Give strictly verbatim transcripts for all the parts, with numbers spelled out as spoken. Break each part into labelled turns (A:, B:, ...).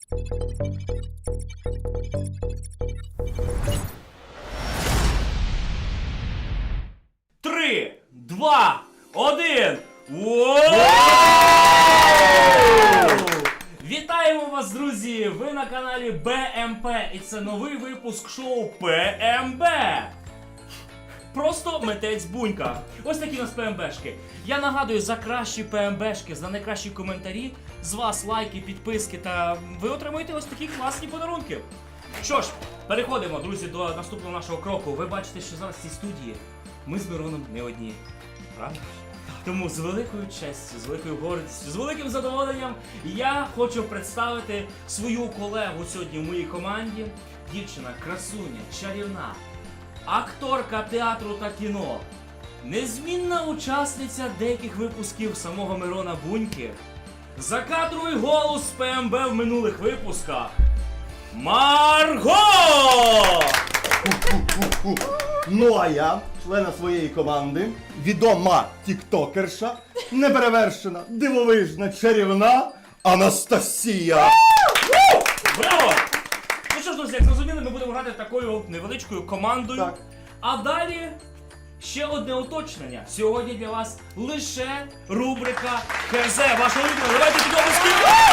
A: Три, два, один. Вітаємо вас, друзі! Ви на каналі БМП і це новий випуск шоу ПМБ. Просто митець Бунька. Ось такі у нас ПМБшки. Я нагадую, за кращі ПМБшки, за найкращі коментарі, з вас лайки, підписки та ви отримуєте ось такі класні подарунки. Що ж, переходимо, друзі, до наступного нашого кроку. Ви бачите, що зараз в цій студії ми з Мироном не одні. Правда? Тому з великою честю, з великою гордістю, з великим задоволенням я хочу представити свою колегу сьогодні в моїй команді. Дівчина, красуня, чарівна, акторка театру та кіно, незмінна учасниця деяких випусків самого Мирона Буньки, закадровий голос ПМБ в минулих випусках Марго!
B: Ну а я, члена своєї команди, відома тіктокерша, неперевершена, дивовижна, чарівна Анастасія.
A: Браво! Ну що ж, друзі, як зрозуміли, ми будемо грати такою невеличкою командою.
B: Так.
A: А далі ще одне уточнення. Сьогодні для вас лише рубрика ХЗ. Ваша улюблена. Давайте підописки.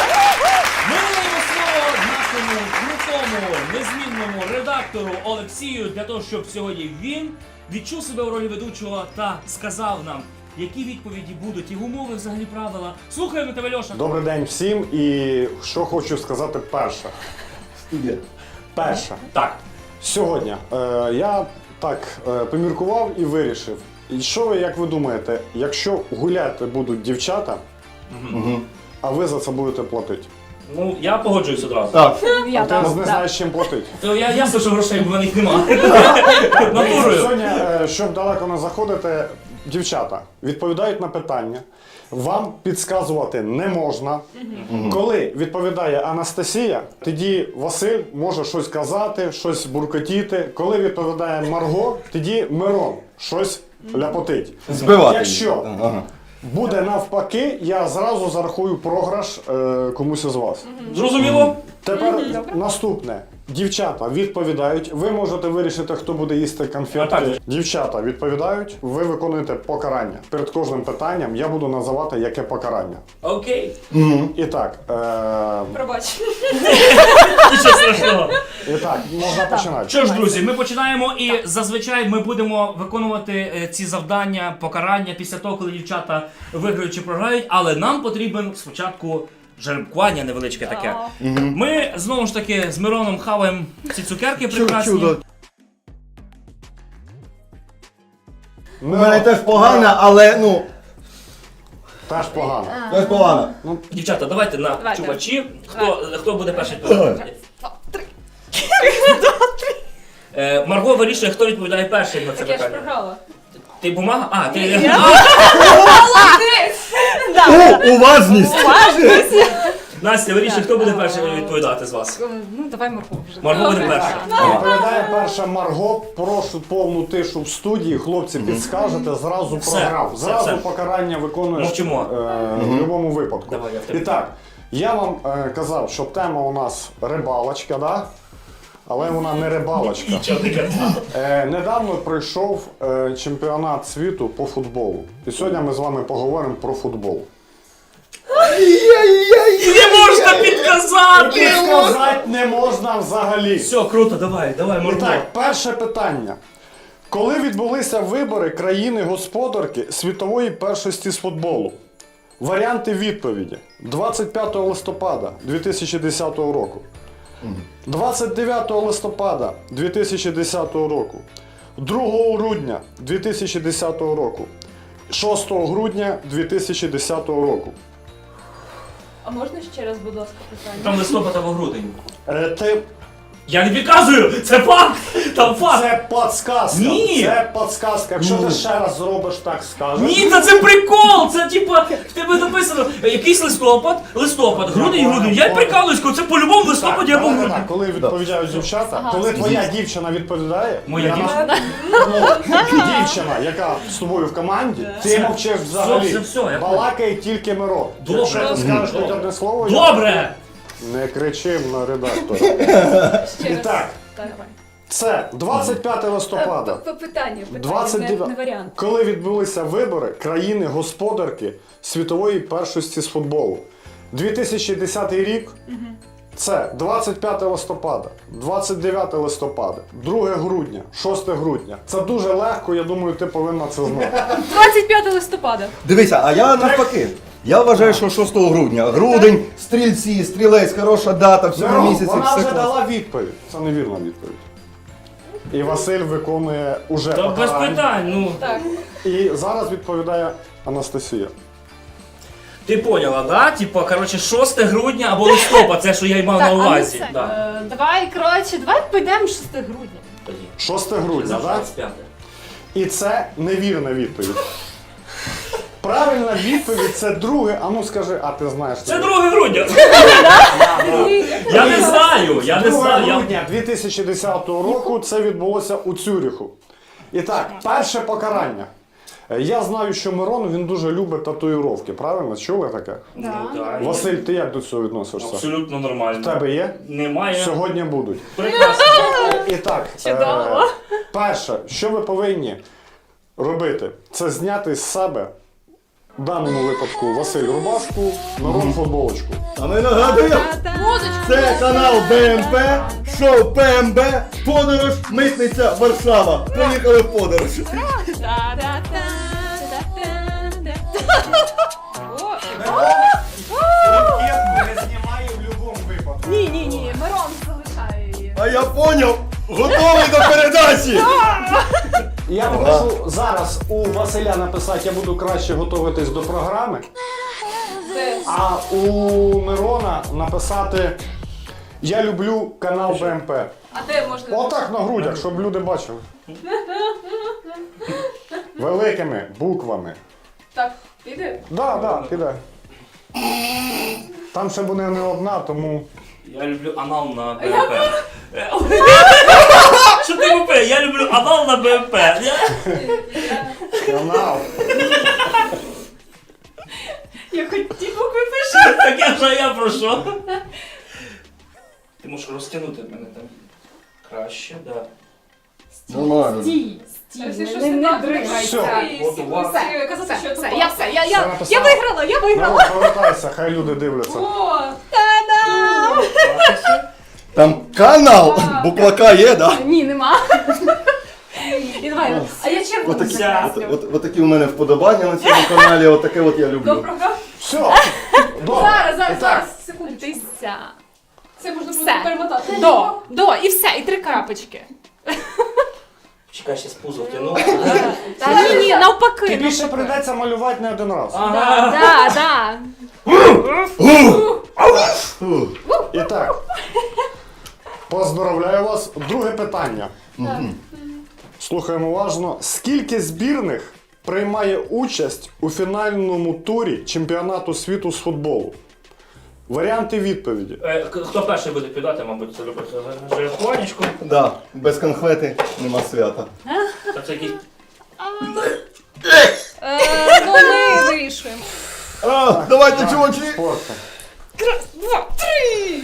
A: Ми надаємо слово нашому крутому, незмінному редактору Олексію для того, щоб сьогодні він відчув себе у ролі ведучого та сказав нам, які відповіді будуть, і умови, взагалі правила. Слухаємо тебе, Льоша.
C: Добрий день всім, і що хочу сказати перше.
B: Студія.
C: Перше.
A: Так.
C: Сьогодні е, я так е, поміркував і вирішив. І що ви, як ви думаєте, якщо гуляти будуть дівчата,
B: Угу.
C: а ви за це будете платити?
A: Ну, я погоджуюсь одразу.
B: Так.
D: Я
C: А ти
D: там,
C: не
D: да.
C: знаєш, чим платити.
A: То я ясно, що грошей в них немає. Натурою.
C: Сьогодні, е, щоб далеко не заходити, дівчата відповідають на питання. Вам підказувати не можна. Коли відповідає Анастасія, тоді Василь може щось казати, щось буркотіти. Коли відповідає Марго, тоді Мирон щось ляпотить.
B: Збивати.
C: Якщо
B: Ага.
C: буде навпаки, я зразу зарахую програш е, комусь із вас.
A: Зрозуміло?
C: Тепер наступне. Дівчата відповідають, ви можете вирішити, хто буде їсти
A: А
C: конфетки.
A: так.
C: Дівчата відповідають, ви виконуєте покарання. Перед кожним питанням я буду називати, яке покарання.
A: Окей.
C: І так, е...
D: Пробач.
A: Нічого страшного.
C: і так, можна починати.
A: Що ж, друзі, ми починаємо і зазвичай ми будемо виконувати е, ці завдання, покарання після того, коли дівчата виграють чи програють, але нам потрібен спочатку жеребкування невеличке таке. Ми знову ж таки з Мироном хаваємо ці цукерки прекрасні.
B: Чудо. У
C: Ну,
B: мене теж погана, але ну,
C: теж погано.
B: теж погана.
A: Дівчата, давайте на
D: Давайте.
A: чувачі. Хто, хто буде перший відповідати? Е, Марго вирішує, хто відповідає перший на це
D: Так я ж
A: питання.
D: програла.
A: Ти бумага? А, ти...
B: О, уважність!
A: Настя, вирішує, хто буде перший відповідати з вас.
D: Ну, давай Марго вже.
A: Марго буде перша.
C: Відповідає перша Марго, прошу повну тишу в студії, хлопці підскажете, зразу
A: Все,
C: програв.
A: все,
C: Зразу
A: все.
C: покарання виконуєш
A: Мовчимо.
C: е, в будь-якому випадку.
A: Давай, я в тебе.
C: І так, я вам е, казав, що тема у нас рибалочка, да? Але вона не рибалочка.
A: Нічого не казав.
C: Е, недавно пройшов е, чемпіонат світу по футболу. І сьогодні ми з вами поговоримо про футбол.
A: Не можна підказати!
C: Підказати не можна взагалі.
A: Все, круто, давай, давай,
C: І
A: Марго.
C: так, перше питання. Коли відбулися вибори країни-господарки світової першості з футболу? Варіанти відповіді. двадцять п'ятого листопада дві тисячі десятого року. двадцять дев'ятого листопада дві тисячі десятого року. другого грудня дві тисячі десятого року. шостого грудня дві тисячі десятого року.
D: А можна ще раз, будь ласка, питання?
A: Там листопад або грудень.
C: Е, ти...
A: Я не підказую! Це факт! Там факт!
C: Це подсказка.
A: Ні.
C: Це подсказка. Якщо ти ще раз зробиш так, скажеш.
A: Ні, та це прикол! Це типа, в тебе написано якийсь листопад, листопад, грудень, грудень. Я й прикалуюсь, це по-любому в листопаді або в
C: давай
A: грудні.
C: так, коли відповідають дівчата,
D: Ага.
C: коли твоя дівчина відповідає,
A: Моя
C: вона-
A: дівчина?
C: Ну, дівчина, яка з тобою в команді, ти мовчиш взагалі.
A: все, все, я
C: Балакає тільки Миро.
A: Добре.
C: Якщо ти скажеш хоч одне слово, я-
A: Добре!
C: Не кричим на редактора.
D: Ще
C: І
D: раз.
C: так,
D: Так.
C: це двадцять п'яте листопада.
D: П- п- Питання, питання,
C: двадцять
D: не,
C: дев'яте
D: не варіант.
C: Коли відбулися вибори країни-господарки світової першості з футболу. дві тисячі десятий рік. Це двадцять п'яте листопада, двадцять дев'яте листопада, друге грудня, шосте грудня. Це дуже легко, я думаю, ти повинна це знати.
D: двадцять п'яте листопада.
B: Дивися, а я навпаки. Я вважаю, що шостого грудня. Грудень, стрільці, стрілець, хороша дата, всі на
C: Мирон,
B: місяці,
C: вона
B: все
C: вже
B: класно.
C: дала відповідь. Це невірна відповідь. І Василь виконує уже
A: Та без
C: покарання.
A: питань, ну.
D: Так.
C: І зараз відповідає Анастасія.
A: Ти поняла, да? Типа, коротше, шосте грудня або листопад, це що я й мав на
D: Так, а ну
A: увазі.
D: це,
A: Да.
D: е, давай, коротше, давай підемо шостого грудня.
A: Тоді.
C: шосте грудня, так?
A: двадцять п'яте.
C: І це невірна відповідь. Правильна відповідь це друге. А ну скажи, а ти знаєш.
A: Це друге грудня. Я не знаю, я не
C: друге
A: знаю. я-
C: грудня дві тисячі десятого року це відбулося у Цюріху. І так, перше покарання. Е, Я знаю, що Мирон він дуже любить татуїровки, правильно? Чули таке?
A: Ну, так.
C: Василь, ти як до цього відносишся?
A: Абсолютно нормально.
C: В тебе є?
A: Немає.
C: Сьогодні будуть.
A: Прекрасно.
C: І так,
D: Чудово.
C: е, перше, що ви повинні робити, це зняти з себе, в даному випадку, Василь рубашку, Мирон футболочку.
B: А ми нагадуємо,
D: Музичку.
B: це канал БМП, шоу ПМБ, подорож, митниця, Варшава. Поїхали в подорож.
C: не знімає в будь-якому випадку.
D: Ні, ні, ні, Мирон залишає її.
B: А я поняв, готовий до передачі.
C: Я попрошу зараз у Василя написати, я буду краще готуватись до програми,
D: Це
C: а у Мирона написати я люблю канал БМП.
D: А де можна?
C: Отак на грудях, щоб люди бачили. Великими буквами.
D: Так, піде?
C: Да, да, піде. Там ще буде не одна, тому.
A: Я люблю анал на БМП. Що ти БМП? Я люблю анал на БМП.
C: Канал.
D: Я хоч ті букви пишу.
A: Так я вже я про що? Ти можеш розтягнути мене там. Краще, да.
B: Нормально.
D: Стій,
E: Це
D: стій,
E: щось
D: не,
E: не
D: не
E: так
D: дригайся.
C: Все.
A: От у вас.
E: Все, казати,
D: Все,
E: що
D: все,
E: це
D: я все, я,
C: Все
D: я,
C: написала.
D: я виграла, я виграла.
C: Мирон, повертайся, хай люди дивляться.
E: О,
D: Та-дам!
B: Там канал, буква К є, да?
D: Ні, нема. І давай,
E: а я червону
B: Отакі,
E: закреслю.
B: от, от, отакі у мене вподобання на цьому каналі, отаке от я люблю.
E: Доброго.
C: Все. Добре.
E: Зараз, зараз,
C: І так,
E: зараз, секунду.
D: ти ся.
E: Це можна буде
D: Все.
E: перемотати.
D: До, до, і все, і три крапочки.
A: Чекай, ще з пузо втягну.
D: Та ні, ні, навпаки.
C: тобі ще
D: навпаки.
C: прийдеться малювати не один раз.
A: Ага.
D: Да, да.
B: Фу.
C: І так. Поздравляю вас. Друге питання. Слухаємо уважно. Скільки збірних приймає участь у фінальному турі чемпіонату світу з футболу? Варіанти відповіді.
A: Е, к- Хто перший буде підати, мабуть, це любить жерехонечку.
B: Да, без конфети нема свята.
A: Та це якийсь...
D: Е, ну ми вирішуємо.
B: А, давайте, чувачі!
C: Спорта.
D: Два, три.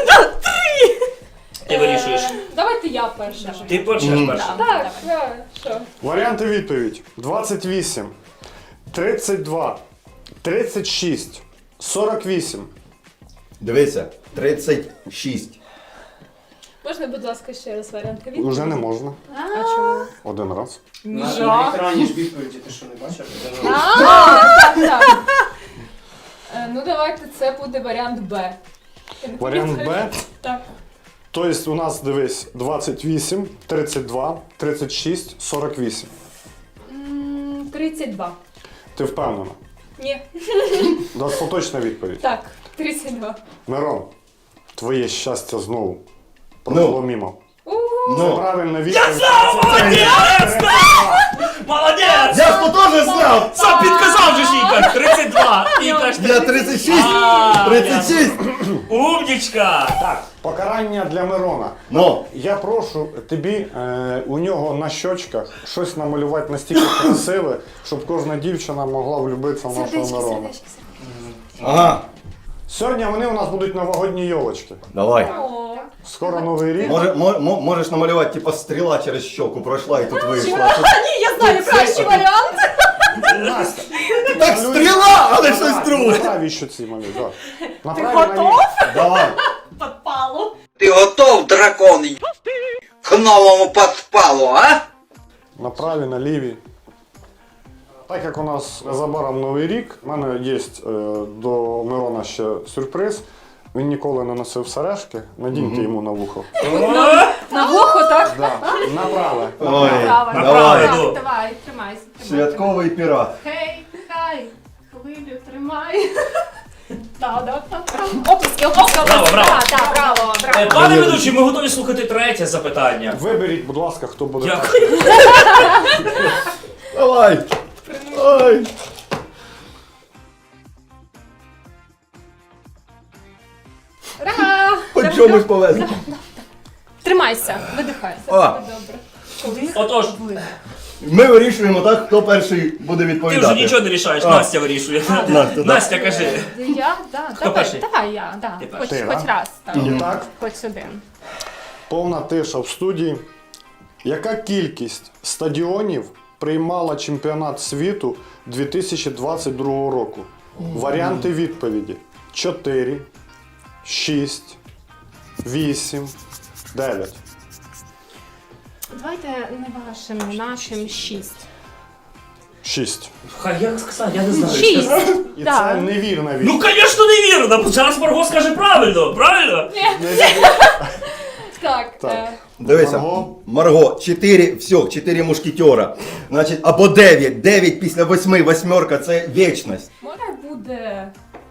A: Ти вирішуєш.
E: Давайте я перша.
A: Ти почнеш перший.
E: Так, так, що?
C: Варіанти відповідь. двадцять вісім, тридцять два, тридцять шість, сорок вісім.
B: Дивися, тридцять шість.
E: Можна, будь ласка, ще раз варіанти відповіді?
C: Уже не можна.
E: А чому?
C: Один раз.
F: На, на екрані ж відповіді, ти що не бачиш?
E: Так, так. Е, Ну давайте це буде варіант Б. Я не
C: Варіант
E: пам'ятаю.
C: Б.
E: Так.
C: Тобто у нас, дивись, двадцять вісім, тридцять два, тридцять шість, сорок вісім.
E: М, тридцять два.
C: Ти впевнена?
E: Ні.
C: Достаточна відповідь.
E: Так, тридцять два.
C: Мирон, твоє щастя знову пройшло мімо. Це
B: Ну,
C: правильна відповідь.
A: Молодець!
B: я ж то теж знав!
A: Сам підказав же ж Ігор! тридцять два! Ігор,
B: Я тридцять шість!
A: А,
B: тридцять шість!
A: умнічка!
C: Так, покарання для Мирона.
B: Ну,
C: Я прошу тобі е, у нього на щочках щось намалювати настільки красиве, щоб кожна дівчина могла влюбитися в нашого Мирона.
B: ага.
C: Сьогодні вони у нас будуть новогодні йолочки.
B: Давай.
C: Скоро новий рік.
B: Може, мо- мо- можеш намалювати, типа стріла через щоку пройшла і тут вийшла.
E: Ні, я знаю кращий варіант.
C: Настя,
B: Так стріла, але щось друге.
C: направі що ці малюй, так.
E: Ти
C: Направі
E: готов?
C: наліво.
B: Давай.
E: Подпалу.
G: Ты готов, дракон, к новому подпалу, а?
C: Направі, наліві. Так як у нас незабаром новий рік, в мене є е, до Мирона ще сюрприз. Він ніколи не носив сережки, надіньте йому на вухо.
E: На вухо, так?
C: Да. Направе.
B: Ой,
E: Направо.
B: давай.
A: Направо.
E: Давай, тримайся.
B: Святковий пірат.
E: Хей, хай, хвилю тримай. Та-да-та-та. Оплески, оплески,
A: Браво,
E: оплески.
A: браво.
E: Так, так, браво,
A: Е,
E: браво.
A: Пане ведучий, ми готові слухати третє запитання.
C: Виберіть, будь ласка, хто буде.
A: Дякую.
B: Давай. Ой.
E: Ура!
B: Хоч чомусь повезли.
E: Тримайся, видихай.
B: А.
E: Добре.
A: Отож,
B: Ми вирішуємо так, хто перший буде
A: ти
B: відповідати.
A: вже нічого не рішаєш,
B: А.
A: Настя вирішує.
B: Настя, да.
A: Настя, кажи.
E: Я, да,
A: Хто
E: давай,
A: перший?
E: давай я, да.
A: Ти
E: Хоч,
C: перший.
E: хоч
C: Ти, да?
E: раз, так.
C: І так,
E: Хоч один.
C: повна тиша в студії. Яка кількість стадіонів приймала чемпіонат світу дві тисячі двадцять другого року? Варіанти відповіді: чотири, шість, вісім, дев'ять.
E: Давайте не вашим, нашим шість.
C: шість.
A: Хай як сказати, я не знаю.
E: Шість.
C: І
E: Да.
C: це невірна
A: Ну,
C: відповідь.
A: звісно, невірно. Зараз Марго скаже правильно, правильно?
E: Так,
C: Так.
E: е,
B: Дивися,
C: Марго.
B: Марго, чотири, все, чотири мушкетера. Значить, або дев'ять. дев'ять після восьми, восьмерка це вічність.
E: може буде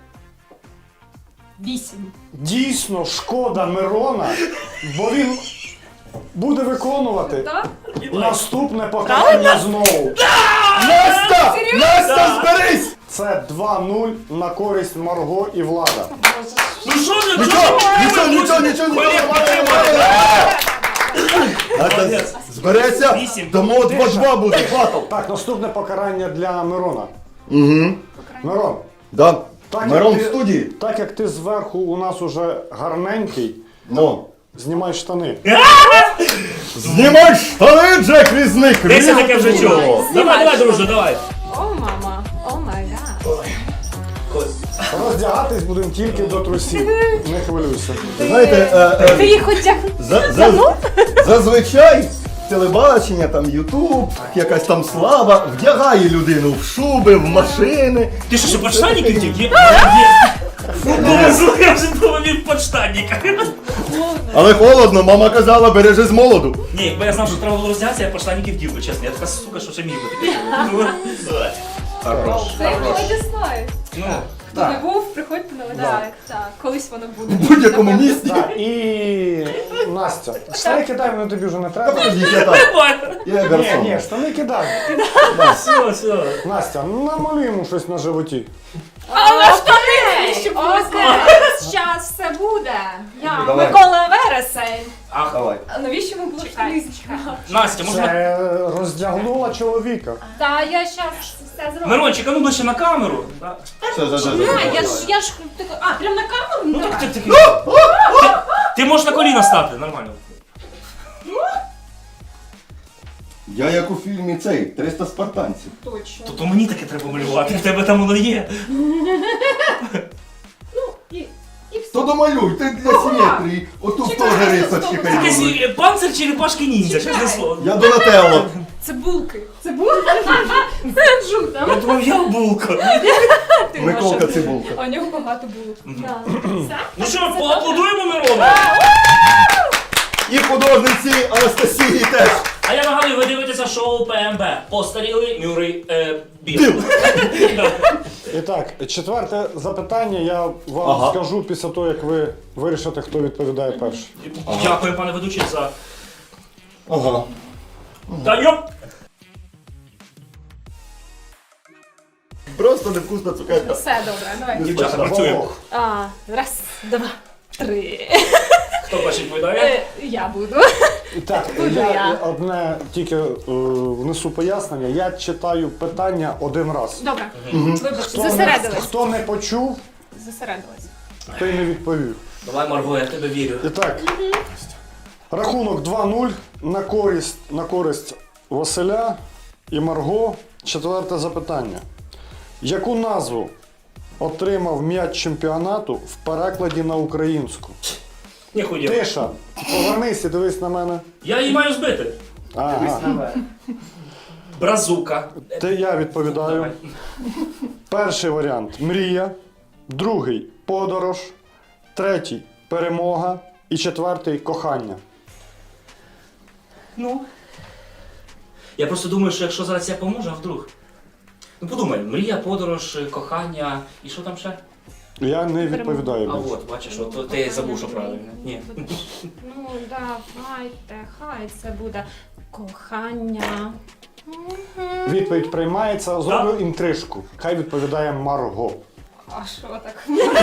E: вісім.
C: Дійсно, шкода Мирона, бо він буде виконувати
E: Так?
C: наступне покарання знову.
B: Настя! Настя, зберись!
C: Це два нуль на користь Марго і Влада.
A: Ну що ти?
B: Нічого, нічого, нічого, нічого,
A: Колег,
B: нічого. Настя,
A: Молодець.
B: збереться,
A: Вісім.
B: тому два-два буде, батл.
C: Так, наступне покарання для Мирона.
B: Угу.
C: Мирон,
B: Да.
C: так,
B: Мирон
C: як
B: в
C: ти-
B: студії.
C: так як ти зверху у нас уже гарненький,
B: Ну.
C: знімай штани.
B: Знімай штани, Джек Різник!
A: Десь я таке вже чув.
B: Різко.
A: Давай, давай, друже, давай.
E: О, мама, о май гад.
C: Роздягатись будемо тільки до трусів. Не хвилюйся.
B: Знаєте, е, е,
E: Ти їх хоч як
B: за- за- зазвичай телебачення, там Ютуб, якась там слава вдягає людину в шуби, в машини.
A: Ти що, ще подштанники втік? Є? Є. Ну, я вже думав, він в подштанниках.
B: Але холодно, мама казала, бережи з молоду.
A: Ні, якби я знав, що треба було роздягатися, я подштанники вдів би, чесно. Я така сука, що ще міг би таке. Ну, хорош.
E: Це я знаю.
A: Ну,
E: Хто не був, приходьте на лекцію. Так, так, колись воно буде.
B: В будь-якому місці.
C: Так, і Настя. Штани кидай, вони тобі вже не
B: Та
C: треба.
B: подождіть, я так.
A: давай.
B: Я
C: Ні,
B: гарсон.
C: ні, штани кидай.
A: Все, все.
C: Настя, намалюй йому щось на животі.
E: Але штани! Окей, зараз все буде. Я
B: Давай.
E: Микола Вересень.
A: Ах,
B: Давай.
E: А навіщо ми було штани?
A: Настя, можна...
C: Це роздягнула чоловіка.
E: Та я зараз все зроблю.
A: Мирончик, а ну ближче на камеру. Да.
B: Все, все, все,
E: А,
B: все.
E: я ж, я ж, так- а, прям на камеру?
A: Ну
E: Давай.
A: так ти такий. Ти- Ти можеш на коліна стати, нормально.
B: Я як у фільмі цей, триста спартанців.
E: Точно.
A: То, то мені таке треба малювати, в тебе там воно є.
E: І, і все.
B: То домалюй, ти для симетрії. Отут теж рисочки хай
A: Якийсь
B: будуть.
A: е, панцир черепашки ніндзя, чесне слово.
B: Я Донателло.
E: Цибулки. Цибулки? Це жута.
A: Я думав, я булка.
E: Ти
B: Миколка
E: Маша.
B: Цибулка.
E: А у нього багато булок. Да. Все?
A: Ну що, поаплодуємо Мирону?
B: І художниці Анастасії теж.
A: А я нагадую, ви дивитеся шоу ПМБ. Постарілий Мюррей е, Біл.
B: Біл.
C: І так, четверте запитання я вам
B: Ага.
C: скажу після того, як ви вирішите, хто відповідає перший.
A: Дякую, пане ведучий, за...
B: Ага.
A: Та йоп!
B: Просто невкусна цукерка.
E: Все добре, давай.
A: Дівчата, працюємо.
C: Вовк.
E: А, раз, два, три.
A: Хто перший відповідає?
E: Е, Я буду.
C: І так,
E: Буду
C: я,
E: я.
C: одне тільки е, внесу пояснення. Я читаю питання один раз.
E: Добре, вибачте,
C: Хто не,
E: зосередились.
C: хто не почув,
E: Зосередились.
C: той не відповів.
A: Давай, Марго, я тебе вірю.
C: І так, рахунок два нуль на користь, на користь Василя і Марго. Четверте запитання. Яку назву отримав м'яч чемпіонату в перекладі на українську?
A: Ніхуя.
C: Тиша, повернись і дивись на мене.
A: Я її маю збити.
C: Ага.
A: Бразука.
C: Те я відповідаю.
A: Давай.
C: Перший варіант мрія, другий подорож, третій перемога і четвертий кохання.
A: Ну. Я просто думаю, що якщо зараз я поможу, а вдруг. Ну подумай, мрія, подорож, кохання і що там ще?
C: Я не відповідаю.
A: А
C: більше.
A: от, бачиш, от ти забув, що правильно. Ні.
D: Ну, давайте, хай це буде кохання.
C: Відповідь приймається, зроблю інтрижку. Хай відповідає Марго.
D: А що так?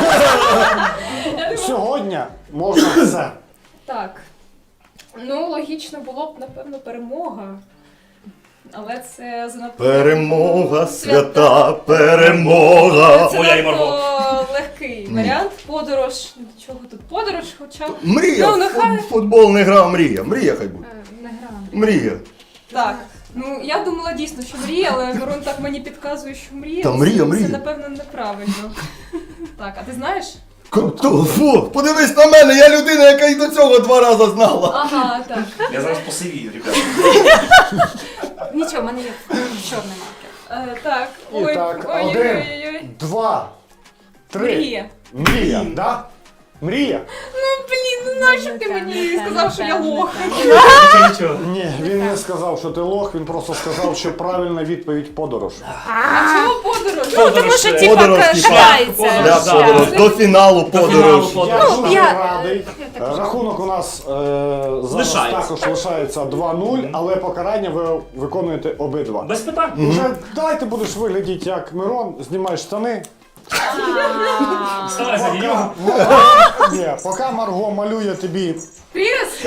C: Сьогодні можна все.
E: Так. Ну, логічно було б, напевно, перемога. Але це занадто...
B: Перемога, свята перемога.
E: Це
A: Моя і Марго.
E: надто легкий варіант. Подорож. До чого тут подорож, хоча...
B: Мрія,
E: Ну, нехай.
B: фут- футбол не гра, мрія. Мрія хай буде.
D: Е, Не грам.
B: Мрія.
E: Так. Ну, я думала дійсно, що мрія, але Мирон так мені підказує, що мрія.
B: Та мрія,
E: це,
B: мрія.
E: Це, напевно, неправильно. Так, а ти знаєш?
B: Кото, фу, подивись на мене, я людина, яка й до цього два рази знала.
E: Ага, так.
A: Я зараз посивію, ребята.
D: Нічого, в мене є чорний маркер.
E: Е, так.
C: І
E: Ой,
C: так,
E: ой,
C: один.
E: ой, ой, ой.
C: Два, три.
E: Мрія.
C: Мрія, да? Мрія?
E: Ну, блін, ну нащо ти мені сказав, що я лох?
A: Нічого, нічого.
C: Ні, він не сказав, що ти лох, він просто сказав, що правильна відповідь подорож.
E: А чого подорож?
A: Ну, тому що
D: Типа
B: Подорож, типа.
D: катається.
A: Подорож,
B: Для
A: да.
B: подорож, до фіналу
A: фіналу
B: подорож.
A: подорож.
C: Я
A: Ну,
C: дуже
D: я-
C: радий. Рахунок у нас е, зараз
A: Лишається.
C: також лишається два нуль, але покарання ви виконуєте обидва.
A: Без питань.
C: Вже дай ти будеш виглядіти як Мирон, знімаєш штани.
A: Вставай за нього.
C: Ні, поки Марго малює тобі
E: Прірис?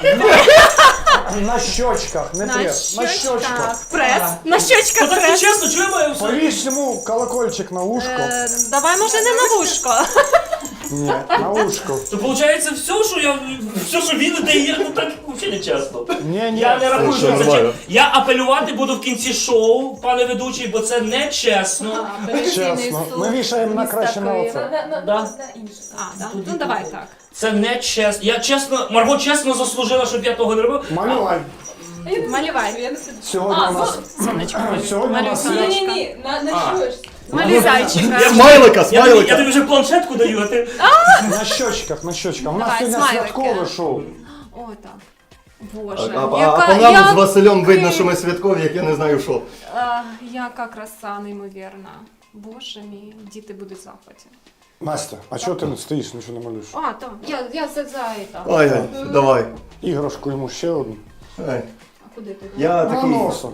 C: на щочках, не прес, на щочках.
D: Прес. На щочках
A: Ну так не
D: прес.
A: чесно, чого я маю все?
C: Повісь йому колокольчик на ушко.
D: Е, Давай, може, не на вушко.
C: Ні, на ушко.
A: То виходить все, що я все, що він дає, ну так взагалі не чесно.
C: Ні, ні.
A: Я не рахую,
B: це
A: що це
B: нормально.
A: чесно. Я апелювати буду в кінці шоу, пане ведучий, бо це не чесно.
C: Чесно. Ми вішаємо на краще на
E: На,
C: оце.
E: на, на,
A: Да.
E: на інше.
D: А, да? Ну давай так.
A: Це не чесно. Я чесно, Марго чесно заслужила, щоб я того не робив.
C: Малювай.
E: А я не знаю,
D: Малювай.
E: що я не
C: Сьогодні
E: А,
C: у нас
D: Сонечко.
C: сьогодні у нас
E: Ні,
C: є
E: ні, ні, на, на
A: А.
E: що ж?
D: Малюй зайчика.
B: Смайлика,
A: Я тобі, я
B: смайлика.
A: тобі вже планшетку даю, а ти.
C: на щочках, на щочках. У нас
D: Давай,
C: сьогодні
D: смайлики.
C: святкове шоу.
D: О, так.
B: А,
D: Боже,
B: а, а
D: яка,
B: по нам
D: я-
B: з Василем видно, що ми святкові, як я не знаю що.
D: А, яка краса неймовірна. Боже мій, діти будуть в захваті.
C: Настя, а чого ти не стоїш, нічого не малюєш?
D: А, так, я, я за, за это.
B: Ай, ай, давай.
C: Іграшку йому ще одну.
B: Ай.
D: А куди ти?
B: Я
C: На
B: такий
C: носу.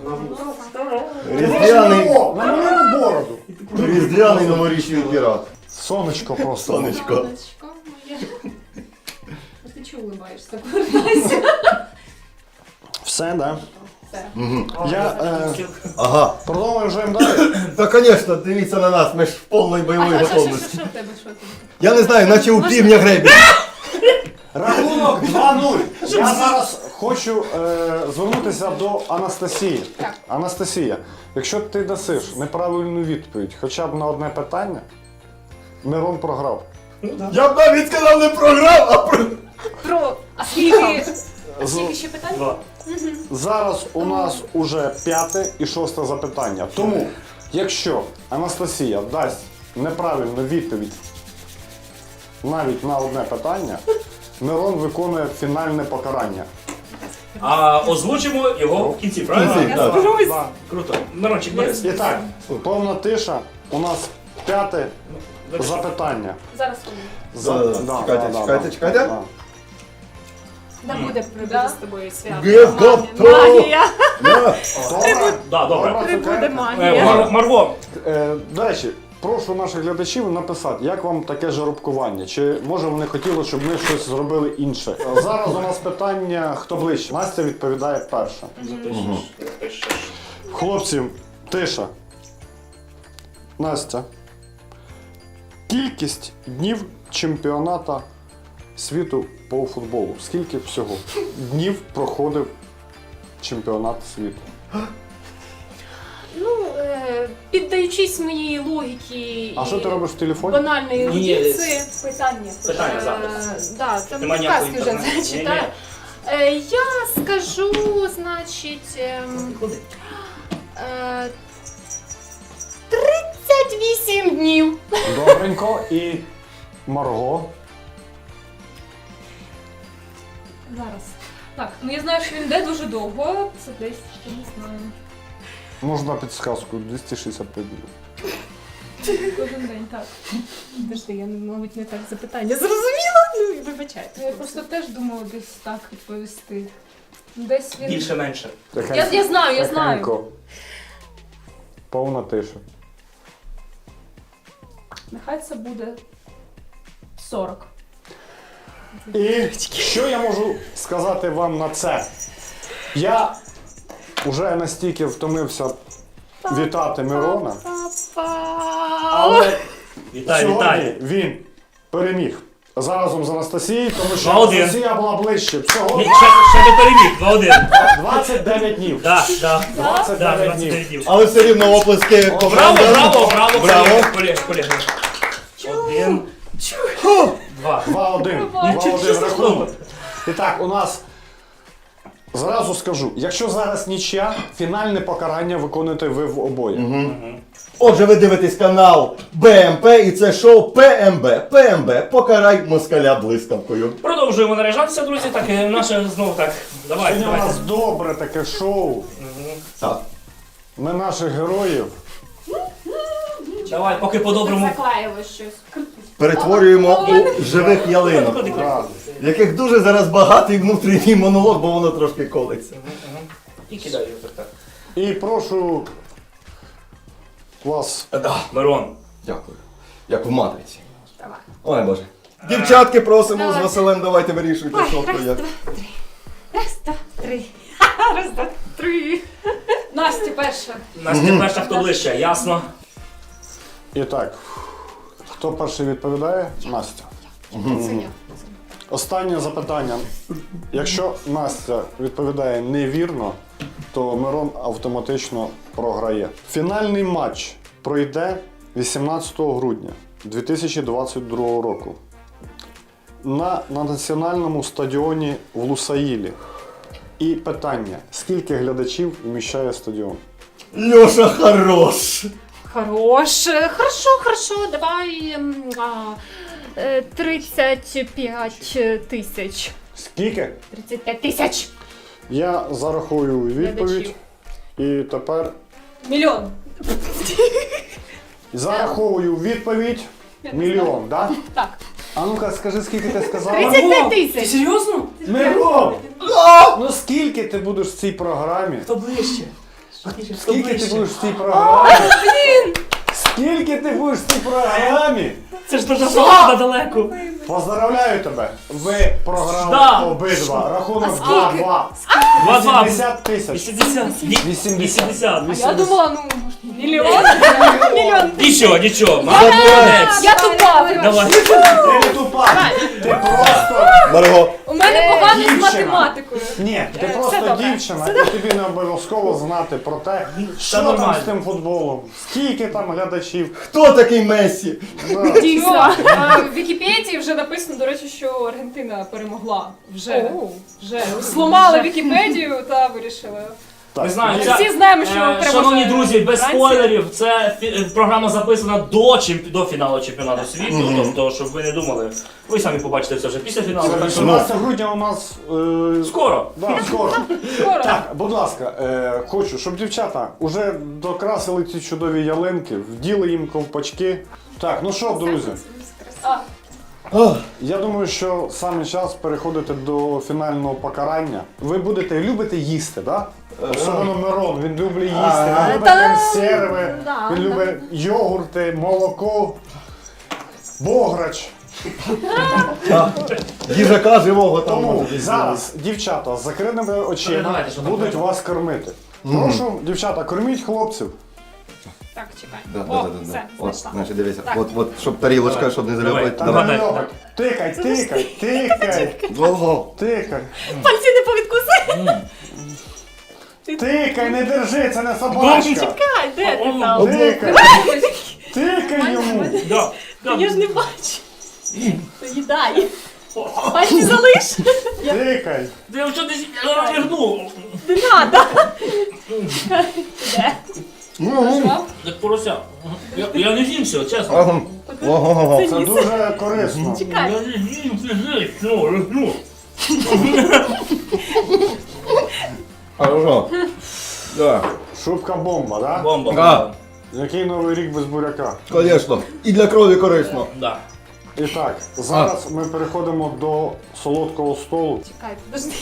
B: різдвяний,
C: О, намалюй на бороду.
B: різдвяний новорічний пірат.
C: Сонечко просто.
B: Сонечко.
D: Сонечко моє.
E: Ти чого улибаєшся? Повертайся.
C: Все, да?
E: Все.
C: Я е,
B: Ага.
C: продовжуємо далі.
B: Та, звісно, дивіться на нас, ми ж в повній бойовій
D: А що, що,
B: готовності.
D: що, що в тебе, що в тебе?
B: Я не знаю, наче у півня гребі.
C: Рахунок два нуль. Я зараз хочу е, звернутися до Анастасії.
E: Так.
C: Анастасія, якщо ти дасиш неправильну відповідь хоча б на одне питання, Мирон програв.
B: Я б навіть сказав не програв, а про...
D: Про
E: А скільки?
C: З-
E: Скільки ще питань?
A: Два.
C: Зараз у нас уже п'яте і шосте запитання. Тому, якщо Анастасія дасть неправильну відповідь навіть на одне питання, Мирон виконує фінальне покарання.
A: А озвучимо його в кінці, правильно?
B: кінці,
A: Я
B: так.
A: сподіваюсь.
C: Да.
A: Круто. Мирончик, бери.
C: І так, повна тиша. У нас п'яте запитання.
E: Зараз вони.
C: За-
B: Е,
C: да,
B: чекайте,
C: да, да,
B: чекайте,
C: да.
B: чекайте.
C: Да.
D: да буде прибуде з тобою свято.
B: Ге-
D: Магія.
B: готово.
D: Магія.
B: Я-
C: Добре?
A: Да, добре.
C: Добре,
D: Прибуде
C: окей.
A: Е,
D: магія.
A: Мар- Марго,
C: Е, До речі, прошу наших глядачів написати, як вам таке жеребкування? Чи може вони хотіли, щоб ми щось зробили інше? Е, Зараз у нас питання, хто ближче. Настя відповідає перша. Хлопці, тиша. Настя. Кількість днів чемпіоната світу по футболу? Скільки всього днів проходив чемпіонат світу?
E: Ну, е, піддаючись моїй логіці
C: А що ти робиш в телефоні?
E: банальної
A: Ні, ні,
E: ерудиції, питання.
A: питання
E: Е,
A: запис.
E: Да, там
A: Нема ніякої
E: підказки вже
A: інформації. Ні,
E: зачитаю.
A: ні.
E: Е, я скажу, значить, ем,
A: Куди?
E: е, тридцять вісім днів.
C: Добренько. І Марго.
E: Зараз. Так, ну я знаю, що він йде дуже довго. Це десь, ще не знаю.
C: Можна підсказку двісті шістдесят п'ять днів.
E: Кожен день, так.
D: Подожди, я, мабуть, не так запитання зрозуміла. Ну, вибачайте.
E: Я просто теж думала десь так відповісти. Десь він.
A: Більше-менше.
E: Я, я знаю, я знаю.
C: Тихенько. Повна тиша.
E: Нехай це буде сорок.
C: І що я можу сказати вам на це? Я вже настільки втомився вітати Мирона, але
A: Вітаю,
C: сьогодні
A: вітаю.
C: він переміг разом з Анастасією, тому що
A: два-один.
C: Анастасія була ближче. Всього
A: Ні, ще, ще не переміг, два-один.
C: двадцять дев'ять днів.
A: Так, так.
C: двадцять
A: Да,
C: дев'ять
A: двадцять
C: днів.
A: дев'ять днів.
B: Але все рівно оплески
A: Браво,
B: команди.
A: браво, браво,
B: Браво.
A: колеги, колеги, колеги. Один, два.
C: два-один.
A: Нічого
C: два-один
A: собі.
C: рахунок. І так, у нас зразу скажу, якщо зараз нічия, фінальне покарання виконуєте ви в обоє.
B: Отже, ви дивитесь канал БМП і це шоу ПМБ. ПМБ. Покарай москаля блискавкою.
A: Продовжуємо наряжатися, друзі. Так, і наше знову так. Давайте,
C: Сьогодні у нас
A: давайте.
C: добре таке шоу.
B: Так.
C: Ми наших героїв
A: Давай, поки по-доброму.
E: Заклеїло щось.
B: Перетворюємо у живих ялинок,
A: Ходи, ходи.
C: да,
B: в яких дуже зараз багатий внутрішній монолог, бо воно трошки колиться.
A: І кидаю так, так.
C: і прошу вас.
A: Мирон.
B: Дякую. Як в матриці.
D: Давай.
B: Ой Боже. Дівчатки просимо з
D: Давайте.
B: Василем, давайте вирішуйте,
D: Ой,
B: що хто
D: раз,
B: як.
D: два, три. Раз, два, три. Раз, два, три.
E: Настя перша.
A: Настя перша, хто ближче, ясно.
C: І так, хто перший відповідає? Настя.
D: Це я.
C: Останнє запитання. Якщо Настя відповідає невірно, то Мирон автоматично програє. Фінальний матч пройде вісімнадцятого грудня дві тисячі двадцять другого року на, на національному стадіоні в Лусаїлі. І питання: скільки глядачів вміщає стадіон?
B: Льоша хорош!
D: Хорош. Хорошо, хорошо. Давай ем, а, е, тридцять п'ять тисяч.
C: Скільки?
D: тридцять п'ять тисяч.
C: Я зарахую відповідь.
D: Глядачів.
C: І тепер
E: Мільйон.
C: зараховую відповідь. Мільйон, так?
E: Так.
C: А ну-ка, скажи, скільки ти сказала?
D: тридцять п'ять
A: Ти
D: тисяч.
A: серйозно?
C: Мирон! Ну скільки ти будеш в цій програмі?
A: Хто ближче? Хто
C: Скільки ти
A: ближче?
C: будеш в цій програмі? Скільки ти будеш в цій програмі?
A: Це ж дуже багато далеко.
C: Поздравляю тебе! Ви програли
A: Да.
C: обидва. Рахунок два-два.
A: Два-два.
C: вісімдесят тисяч.
A: вісімдесят.
C: вісімдесят.
A: вісімдесят.
E: Я думала, ну, мільйон. Мільйон.
A: Нічого, нічого.
B: Молодець!
A: Молодець.
E: Я тупа.
A: Давай.
C: Ти не тупа! Ти просто...
B: Марго,
E: У мене погано з
C: Дівчина.
E: математикою.
C: Ні, ти просто
E: добре.
C: дівчина, і тобі не обов'язково знати про те, що там
A: нормально.
C: з тим футболом, скільки там глядачів.
B: хто такий Мессі?
C: Да.
E: Дійсно. А в Вікіпедії вже написано, до речі, що Аргентина перемогла. Вже.
D: О.
E: Вже. Сломали Вікіпедію та вирішили.
A: Не знаю,
E: Ми
A: ця-
E: всі знаємо, що
A: Е,
E: переможе
A: Шановні друзі, без
E: Франція.
A: спойлерів, це фі- е, програма записана до, чемп... до фіналу чемпіонату світу, тобто, щоб ви не думали, ви самі побачите це вже після фіналу. Так що
C: вісімнадцятого грудня у нас... Е...
A: скоро.
C: Да, скоро.
E: Скоро.
C: Так, будь ласка, е, хочу, щоб дівчата вже докрасили ці чудові ялинки, вділи їм ковпачки. Так, ну що, друзі,
E: А,
B: Ох,
C: я думаю, що саме час переходити до фінального покарання. Ви будете любите їсти, так? Да? Особливо Мирон, він любить їсти,
B: Ага.
C: він любить
D: Та-
C: консерви,
D: да,
C: він
D: да.
C: любить йогурти, молоко, бограч.
B: їжака живого там
C: Тому
B: може десь
C: зараз дівчата з закритими очима
A: Давайте, що там
C: будуть
A: треба?
C: вас кормити. Прошу, дівчата, корміть хлопців.
D: Так, чекай.
B: Да,
D: О,
B: да, да, да,
D: все,
B: да. От,
D: знайшла.
B: значить, дивися.
D: Так.
B: От, от, щоб тарілочка, щоб не
A: Давай,
B: залюбити.
C: Та
A: давай.
C: не
B: Давай.
C: льопать. Тикай, тикай, тикай,
B: Ого.
C: тикай.
D: Пальці не повідкуси.
C: Тикай, не держи, це не собачка.
D: Чекай, де ти там?
C: Тикай, тикай йому.
A: Да, да.
D: Я ж не бачу. Їдай. Пальці залиш.
C: Тикай.
A: Я вже десь розвернув.
D: Не надо.
A: Як порося. Я, я не з'їм все, чесно.
B: Ага. Ого.
C: Це дуже корисно.
A: Я не з'їм все, все, все, розну.
B: Хорошо. Да.
C: Шубка бомба, да?
A: Бомба.
B: Да.
C: Який новий рік без буряка?
B: Конечно. І для крові корисно.
A: Да.
C: І так, зараз ми переходимо до солодкого столу.
D: Чекай, подожди.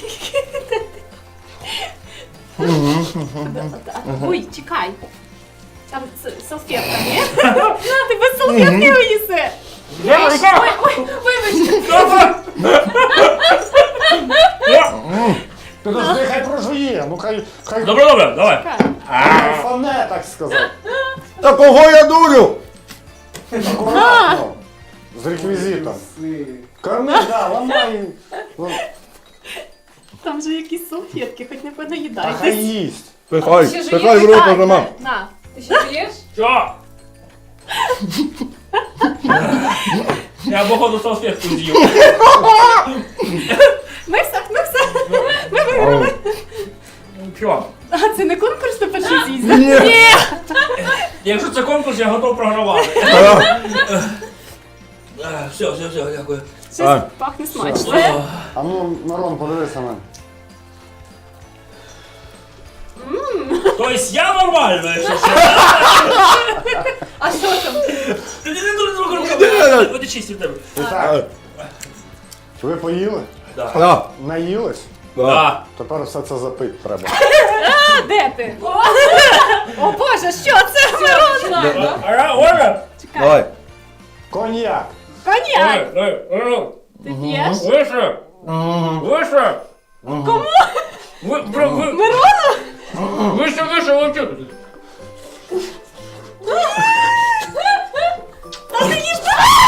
D: Ой, чекай. Там с- салфетка, ні? На, ти без салфетки його їси. Ой, ой, вибач.
C: Підожди, хай прожує, ну хай, хай
A: Добре, добре, давай.
C: кайфане, так сказати.
B: Та кого я дурю?
C: Акуратно. З реквізитом. Корми, да, ламай.
D: Там же якісь салфетки, хоч не
C: А хай
D: понаїдайтесь.
C: їсть.
B: Пихай,
E: Ще ж
B: пихай
E: є
B: в рот
E: питання.
B: нажимав.
D: На.
E: Ти ще п'єш?
A: Що? Я походу салфетку з'їв.
D: Ми все, ми все. Ми виграли.
A: Що?
D: А це не конкурс на перший з'їзд?
B: Ні.
A: Якщо це конкурс, я готов програвати.
B: Ага.
A: Е, Все, все, все, дякую.
B: А.
D: Щось пахне смачно.
A: О,
C: А ну, Мирон, подивися на мене.
A: Тобто я нормально, якщо що.
E: А що там?
A: Ти не дуже трохи руками. Буде чисті в тебе.
C: І так, ви поїли?
A: Да.
B: Да.
C: Наїлись?
A: Да.
C: Тепер все це запити треба.
D: А, де ти? О боже, що це? Мирон?
A: Ара, Оля!
B: Давай.
C: Коньяк.
D: Коньяк.
A: Ой, ой, ой.
D: Ти п'єш?
A: Вище! Вище!
D: Кому?
A: Ви, ви, ви,
D: Мирону?
A: вище, вище, вище!
D: Та ти їж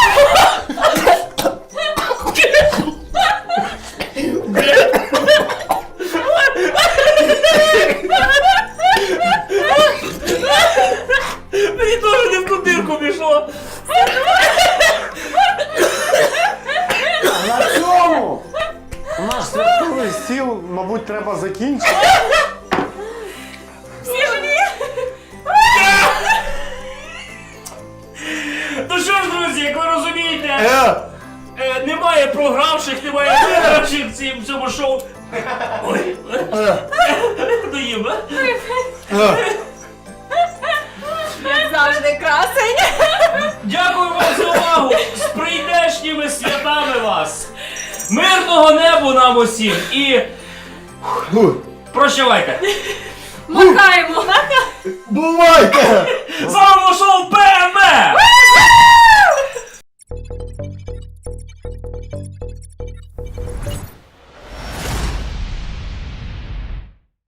A: Мені теж не в ту дирку пішло.
C: На цьому наш святковий стіл, мабуть, треба закінчити.
D: всі живі?
A: Ну що ж, друзі, як ви розумієте,
B: Е.
A: е, немає програвших, немає вигравших в цім- цьому шоу. Ой,
B: Е.
A: доїм, а?
B: Е.
D: Як завжди, красень.
A: Дякую вам за увагу! З прийдешніми святами вас! Мирного небу нам усім і
B: Фу.
A: прощавайте!
D: Махаємо.
B: Бувайте!
A: З вами було шоу ПМ!